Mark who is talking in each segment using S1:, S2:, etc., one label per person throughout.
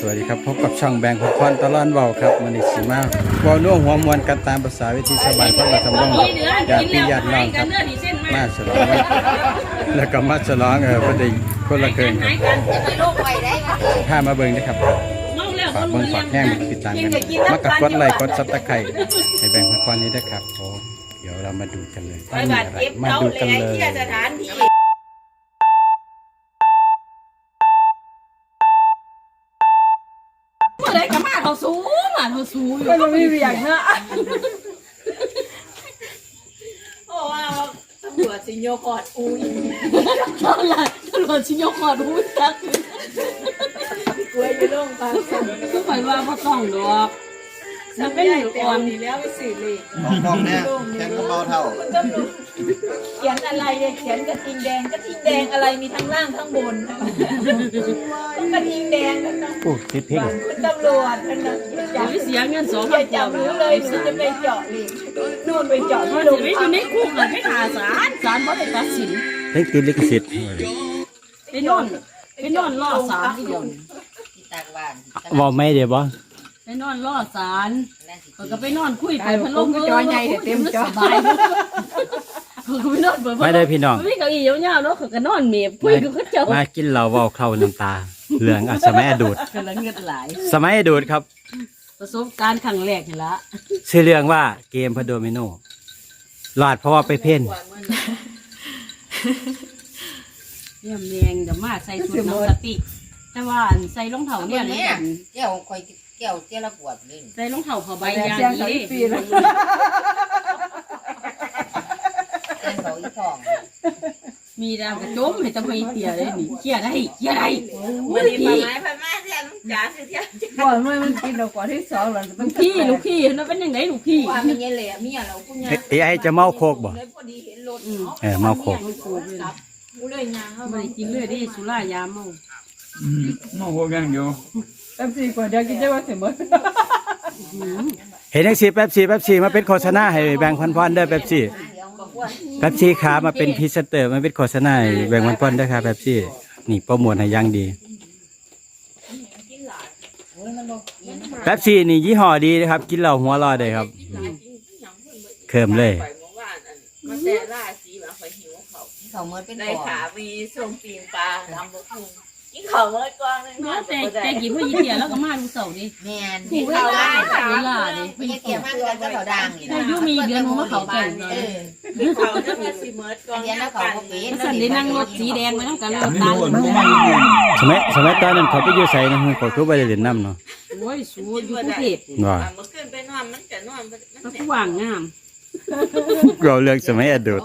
S1: วัสดีครับพบกับช่องแบงค์พรตลอดเว้าครับมันนี้สิมาเว้าน่วงหัวมวนกันตามภาษาวิธีชาวบ้านคนละทำนองญาติพี่ญาติน้องครับมาฉลองแล้วก็มาฉลองพอดีคนละเกินครับพามาเบิ่งนะครับฝากเบิ่งฝากแห้งติดตามกันมากับกดไลค์กดซับตะไคร้ให้แบงค์พรนี้ด้วยครับโอ้เดี๋ยวเรามาดูกันเลยมาดูกันเลย
S2: อะไรกับมาเขาสูงอยู่ก็ไม่มีอย่างนะโอ้ว่าตำรวจชิโยกอดอุ้ยตำรวจชิโยกอดอุ้ยจักกล้วยอยู่โรงพยาบาลคือไปว่าเขาต้องดอกจะเป็นอยู่ก่อนนี่แล้วไปสื่อเลย
S3: มองเนี่ยแข่งกับเบาเท่า
S2: เขียนอะไรเนี่ยเขียนกระทิงแดงอะไรมีทั้งล่างทั้งบนกระทิงแดง
S1: โอ้ติดเพลง
S2: คุณตำรวจนั่นนะอย่าไปเสียเงิน2,000จับรู้เลยคุณจะไปเจาะเลยนู่นไปเจาะที่โรงพักอยู่ในคุกเลยไม่หาศาลเพราะได้ตัดสิน
S1: เพลงติดลิขสิทธิ์
S2: ไปนอนรอศาลที่ยน
S1: บอกไม่เดี๋ยวบ่
S2: ไปนอนรอศาลก็ไปนอนคุยไปพัดลมจอใหญ่เต็มจอสบาย
S1: ไม่ได้พี่น้อง
S2: ไม่เก้าอี้ยาวๆเนาะเขาก็นอนเมียคุยกับเขาเจ้า
S1: มากินเหล้าเว้าเข้าน้ำตาเหลืองสมัยอดูด
S2: กำลังเงินไหล
S1: สมัยอดูดครับ
S2: ประสบการณ์ครั้งแรกนี่ละ
S1: ชื่อเรื่องว่าเกมพะโดมิโนหลอดเพราะว่าไปเพ่น
S2: เยี่ยมแมงเดี๋ยวมาใส่ชุดน้ำสติแต่ว่าใส่รองเท้าเนี่ย
S4: แก้วคอยแก้วละขวดนึง
S2: ใส่รองเท้าผ้าใบยางนี้มีดาวกระจมให้ตะไคร้เตี่ยเลยนี่เขี่ยได้มันดีไม้พันไม้แทนจ๋าคือเที่ยก่อนมันกินเราก่อนที่2หลังลูกพี่นั่นเป็นยังไงลูกพี่ว่ามีเงี้ยเลยมีอะไรพวกเนี้ย
S1: ไอ้จะเมาโคกบ่เมาโคก
S2: ไม่กินเลยได้สุรายาเมา
S3: เมาโคกยังอยู่
S2: แป๊บซี่ก่อนเดี๋ยวกินจะว่าเสร็จหมด
S1: เห็นยังสิแป๊บซี่มาเป็นโฆษณาให้แบงค์พันได้แป๊บซี่ขามาเป็นพรีเซนเตอร์มาเป็นโฆษณาให้แบงค์พันได้ครับแป๊บซี่นี่โปรโมทให้ยังดีแป๊บซี่นี่ยี่ห้อดีนะครับกินเหล้าหัวรอได้ครับเคิมเลย
S4: มันแต่ล่าสีมาคอยหิวเขาเมื่อเป็นได้ขามีส้มปีนปลาทำบะพุงกินเขาเมื่อกวางนึง
S2: แต่กินพวกยี่เตี๋ยแล้วก็มาดูเสาดิ
S4: แม่นกินเขาได้ค่ะยี่เตี๋ยมากกันก็เขาดัง
S2: แต่ยุมีเดือนหัวเขาแก่งเลย
S4: เขาจะมาสีเมื่อกวางแล้วเขาเป็น
S2: สันได้นั่งรถสีแดงมาต้องการรถตา
S1: สมัยตอนนั้นเขาไปอยู่ใส่นะเขาทุบไปเล่นน้ำเนาะ
S2: โอ้ยสูดอยู่กรุงเทพ
S1: ว่า
S4: เมื่อคืนไปนอนมันจะนอน
S2: มันกว้างงาม
S1: เราเลือกสมัยอดีต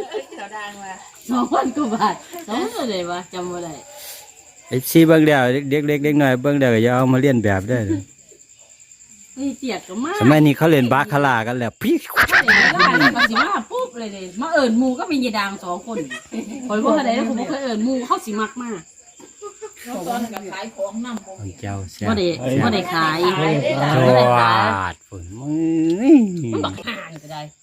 S2: 2,000 กว่าบาท2,000เลยวะจำไม่ได้
S1: ไอ้ซีเบิ้งเดียวเด็กหน่อยเบิ้งเดียวอย่าเอามาเลียนแบบได้
S2: นี่เตียดก็มาก
S1: สมัยนี้เขาเล่นบาคาร่ากันแล้วพี่
S2: มาสิมาปุ๊บเลยมาเอิญมูก็มียายดาง2 คนคอยพวกอะไรแล้วผมเคยเอิญมูเข้าสิมักมาก
S4: ตอนกับขายของน้ำ
S1: ของเจ้าเสีย
S2: ว่าได้ขาย
S1: จวดฝน
S2: มันบอกห่านก็ได้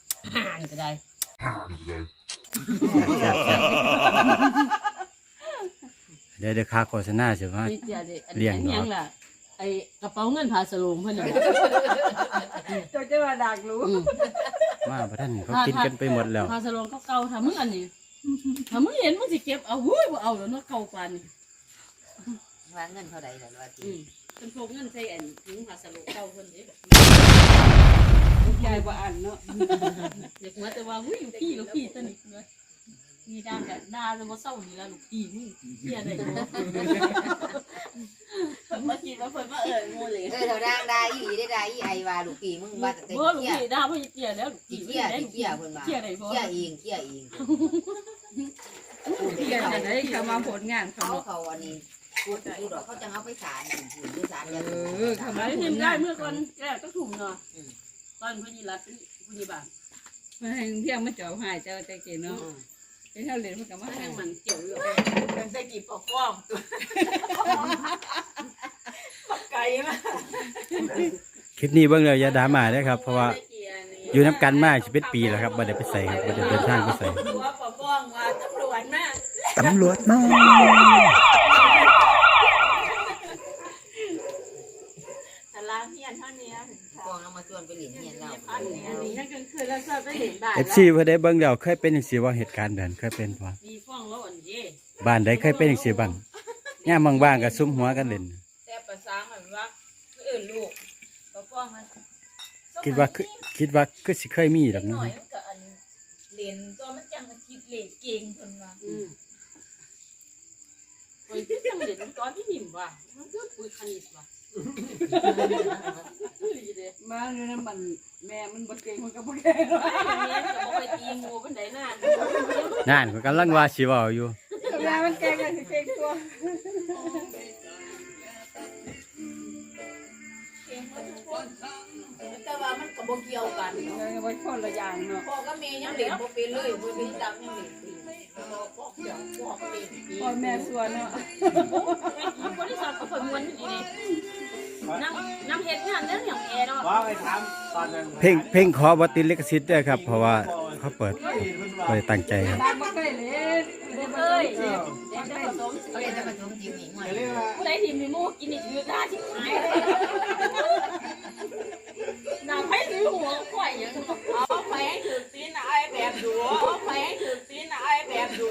S1: เดี๋ยวค่าโฆษณาใช่ไหมเลี้ยง
S2: ยังล่ะไอกระเป๋าเงินพาสลุงเพื่อนจะมาดักรู้
S1: ว่าพระท่านเขากินกันไปหมดแล้ว
S2: พาสลุงเขาเก่าทำมึงอันนี้ทำมึงเห็นมึงสิเก็บเอาหุ้ยว่าเอาแล้วเนาะเก่าปาน
S4: วางเงินเท่าไหร่แต่ว่า
S2: เป็นพวกเงินใส่อันถึงพาสลุงเก่าคนนี้ใหญ่กว่าอันเนาะเด็กมาแต่ว่าหุ้ยลูกพี่สนิทเลยมีด่ากับด่าเลยว่าเศร้านี่ละลูกพี่มึงเที่ยอะไรเนาะ
S4: มากินมาเพิ่นมางูเลยเท่าด่าอีได้อีไอว่าลูกพี่มึงว่าแต่
S2: เลูกพี่ด่าเพิ่นเที่ยแล้วลูกพี่
S4: เที่ยเพิ่นว่าเที่ยเองเที่ย
S2: ได้เขามาผลงาน
S4: เขาอันนี้ดูดอกเขาจะเอาไปศาลอยู่ศาลจะ
S2: ทำไมเห็นได้เมื่อก่อนแกต้องถุ่มเนาะตอนพญิรัตน์พญิบาลมาให้เที่ยงมาเจาะหายเจ้าใจเก๋เนาะไอ้เท่าเหรียญมันกับว่าให้มันเกี่ยวอยู่
S4: เป็นได้กี่ปอกฟ้องไก่มา
S1: คลิปนี้เบื้องเลยอย่าด่ามาได้ครับเพราะว่าอยู่น้ำกันมากชีวิตปีแล้วครับบ่ได้ไปใส่ครับบ่ได้เดินทางไปใส่ตำรวจมา
S4: ล้างเฮียนเท่านี้
S5: กองเรามาชวนไปหลินเนี่ยเรา
S2: อันนี้นั่นก็คือแล้วก็ไปเห็นบ้าน
S1: FC เพิ่นได้เบิ่งแล้วเคยเป็นจังซี่บ่เหตุการณ์แบบนั้นเคยเป็นบ่
S2: มีฟ้องแล้วอันนี้
S1: บ้านใดเคยเป็นจังซี่บ้างยามว่างๆก็ซุมหัวกันเล่น
S4: แต่ภาษาเหมือนว่าอื่นลูกก็ฟ้องมัน
S1: คิดว่าคือสิเคยมีดอก
S4: หน่
S1: เนาะ
S4: อยมันก็อันเรียนตัวมันจังมันคิดเลขเก่งคนว่า
S2: โอ้ยที่จังเด็ดตอนที่หิมว่ะมันก็คุยคณิตว่ะมาเนี่ยนะมันแม่มันบ่เก่งมันก็บ่เก่งแม่ก็บ่ไปตีงูปานใดน่ะ
S1: นั่นก็กำลังว่าสิเว้าอยู่
S2: แม่มันเก่งกันสิเก่งตัว
S4: เก่งหมดทุกคนแต่ว่ามันก็บ่เกี่ยวกัน
S2: บ่คนละอย่างเนาะ
S4: พ่อกับแม่ยังเล่นบ่เป็นเลยบ่เป็นดำยังเล่นเป็นพ่อเดี๋ยวพ่อเล่น
S2: พ่อแม่สวนเนาะ
S6: บริษัทก็เพิ่นม้วนอยู่นี่น้ำเฮ็ดงานเรื่องอย่างแอร์เนาะ
S3: ว่าไปถามตอนนั้น
S1: เพลงขอบ่ติดลิขสิทธิ์เด้อครับ เพราะว่าเขาเปิดบ่ได้ตั้งใจครับ
S2: บ้านบ่เคยเล่น
S6: เอ้ย
S5: เขาเรียกจะผสมจีบหนิงหน่อย
S3: เรียกว่า
S6: ผู้ใดที่มีหมูกินนี่คือได้ที่หายเลยนางไปซื้อหัวข่อยอย่าง
S4: เอาไปให้ถือตีนไอ้แบบดูเอาไปให้ถือตีนไอ้แบบดู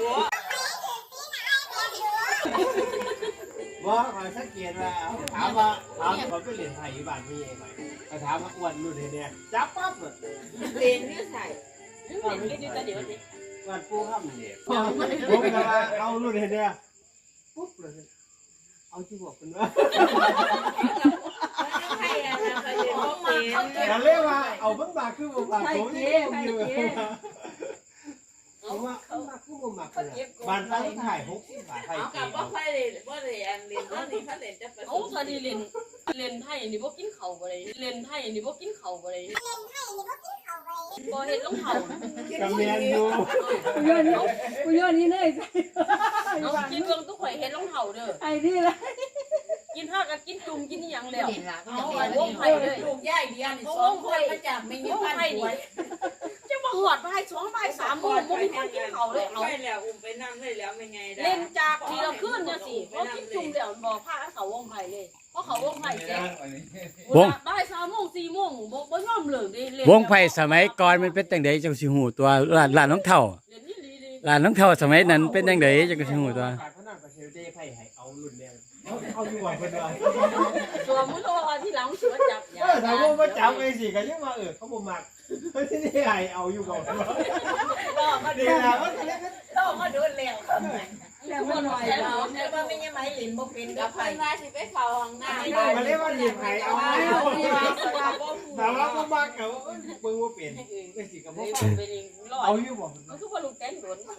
S3: ว่าคอยสังเกตว่าถามว่าเขาไปเรียนไทยอยู่บ้านพี่เองไหมถามว่าอ้วนรุ่นเนี่ยจับปั๊บเลย
S4: เล่นนี่ใส่
S6: เห็นอยู่แต่เดี๋ยวนี้
S3: วันปูข้ามเนี่ยผมก็ว่าเอารุ่นเนี่ยปุ๊บเลยเอาที่บอกกันว่า
S4: ให้อะนะเคยเล่นเขามาเขาเก็บ
S3: แต่เรียกว่าเอาบ้างบาคือบ้างบาผมนี่ผมอยู่ผมว่าบ้าคือบ้างบาบ้านตั้งถ่าย60 บาทไทย
S4: เอา
S3: เก
S4: กับว่าใครเล่นว่าเรียนเล่นว่านี่เขาเล่นจะผส
S6: โอ้
S4: ม
S6: ตอนนี้เล่นไทยนี่บ่กินข้าวบ่ได้เล่นไทยนี่บ่กินข้าวบ่ได้บ่เฮ็ดรองเท้า
S3: กับเมียนอยู่
S2: กูย้อนนี่เลย
S6: เอากินเบิ่งทุกข่อยเฮ็ดรองเท้าเด้อ
S2: ไอ้นี่ละ
S6: กินฮอดก็กินจุ่มกินอีหยังแล้ว
S5: หลินละก็
S6: เอา
S5: จะ
S6: ไว้
S5: เป็น
S6: วงไผเลย
S4: ลูกย่ายเดียนสองคนมาจากไม่ยืมพันหวย
S6: จะมาหอดบ่าย2บ่าย3โมงบ่มีคนกินข้าวเลยเอา
S4: ไปแล้วอุ้มไปนั่งเลยแล้วไม่ไงได้
S6: เล่นจากทีละคืนเนี่ยสิเพราะกินจุ่มเดี๋ยวบอกพาเขาวงไผ่เลยเพราะเขาวงไผ่เสร็จบ่าย3 โมง4 โมงบ่ยอมเลิกดิเล่น
S1: วงไผ่สมัยก่อนมันเป็นจังไดจังสิฮู้ตัวร้านน้องเฒ่า
S6: เล่นนี่ดี
S1: ร้านน้องเฒ่าสมัยนั้นเป็นจังไดจังสิฮู้ตัว
S3: เขานั่งกับเชลเจ้ไพ่ให้เอารุ่นเนี่ยเอาอยู่ว่าเพิ่นว่า
S6: ตัวมุ้งตัวที่หลังสวนจับ
S3: ถามว่ามาจับไอ้สิก็ยังว่าเขาบ่มักที่นี่ให้เอาอยู่บ่
S4: ก็มา
S3: ดี
S4: ดู
S3: นะว่าเล็ก
S4: ก็มาดูแล้วครับ
S2: แล้วมันหน่อย
S4: แต่
S2: แล้ว
S4: แต่ว่าไม่ยังไม่หลินบ่เป็นกับไผมาสิไปเข้าห้องน้ำ
S3: ๆก็เรียกว่าหยิบให้เอาแต่ว่าบ่มักก็เบิ่งว่าเป็นไอ้สิก็บ่
S6: เป็นรอ
S3: เอา
S6: ด
S3: อยู่บ่
S6: มันคือว่าลูกแตนโดน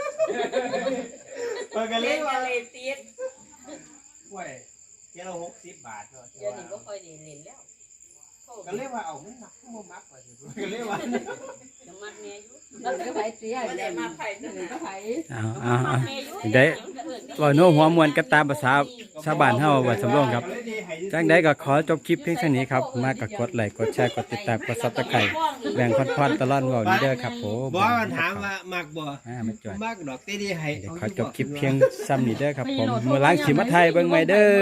S3: เพิ่นก็
S4: เล่
S3: เรีย
S4: น
S3: กว่า
S4: กันเลยติด
S3: ห้วยเจ้า60 บาทเนาะ
S6: เดี๋ยวนี้ก็ค่อยได้เล่นแล้ว
S3: ก็เรียกว่าเอามันมักบ่มักว่าสิก็เรียกว่า
S6: จะมัดแม่อยู่
S2: มันก็ไผเสีย
S4: ไม่ได้มาไผจัง
S2: ก็ไผ
S1: เอา
S6: มัดแม่อยู่
S1: ได้เว้าโน้หัวมวนกันตามภาษาชาวบ้านเฮาว่าสำรองครับจังใดก็ขอจบคลิปเพียงเท่านี้ครับมาก็กดไลค์กดแชร์กดติดตามกด Subscribe แบ่งพอดๆตลอดเว้านี้เด้อครับผม
S3: บ่มันถามว่ามักบ่
S1: มาจอย
S3: มักดอกเต้ดีให้
S1: เดี๋ยวขอจบคลิปเพียงซ้ำนี้เด้อครับผมมื้อหล้างสิมาไทยเบิ่งใหม่เด้อ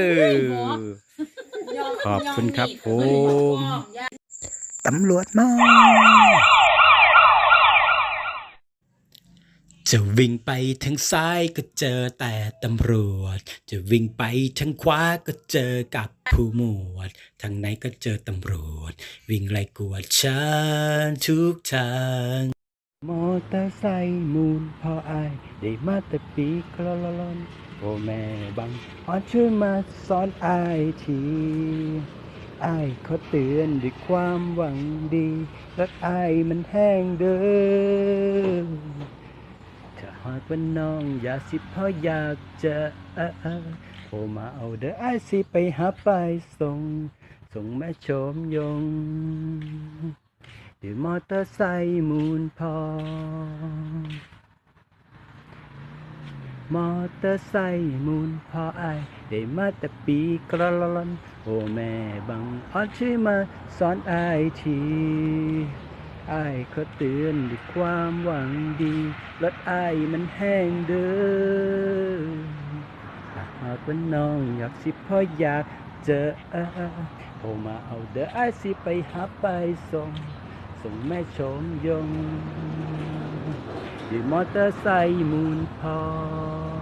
S1: ขอบคุณครับผมตำรวจมาจะวิ่งไปทางซ้ายก็เจอแต่ตำรวจจะวิ่งไปทางขวาก็เจอกับผู้หมวดทางไหนก็เจอตำรวจวิ่งไล่กวดฉันทุกทางมอเตอร์ไซค์มูลพออายได้มาแต่ปีกลอนลอนโอ้แม่บังช่วยมาสอนอายทีอายเขาเตือนด้วยความหวังดีรักอายมันแห้งเด้อถ้าหากว่าน้องอยากสิพ่ออยากจะโทรมาเอาเด้ออายสิไปหาไปส่งแม่ชมยงด้วยมอเตอร์ไซค์มูลพอมอเตอร์ไซค์มูลพออายได้มาแต่ปีกระลอนโอ้แม่บังช่วยมาสอนอายทีอายเขาเตือนด้วยความหวังดีรถอายมันแห้งเด้อถ้าหากว่าน้องอยากสิพ่ออยากเจอโทรมาเอาเด้อไอ้ายสิไปหาไปส่งแม่ชมยงด้วยมอเตอร์ไซค์มูลพอ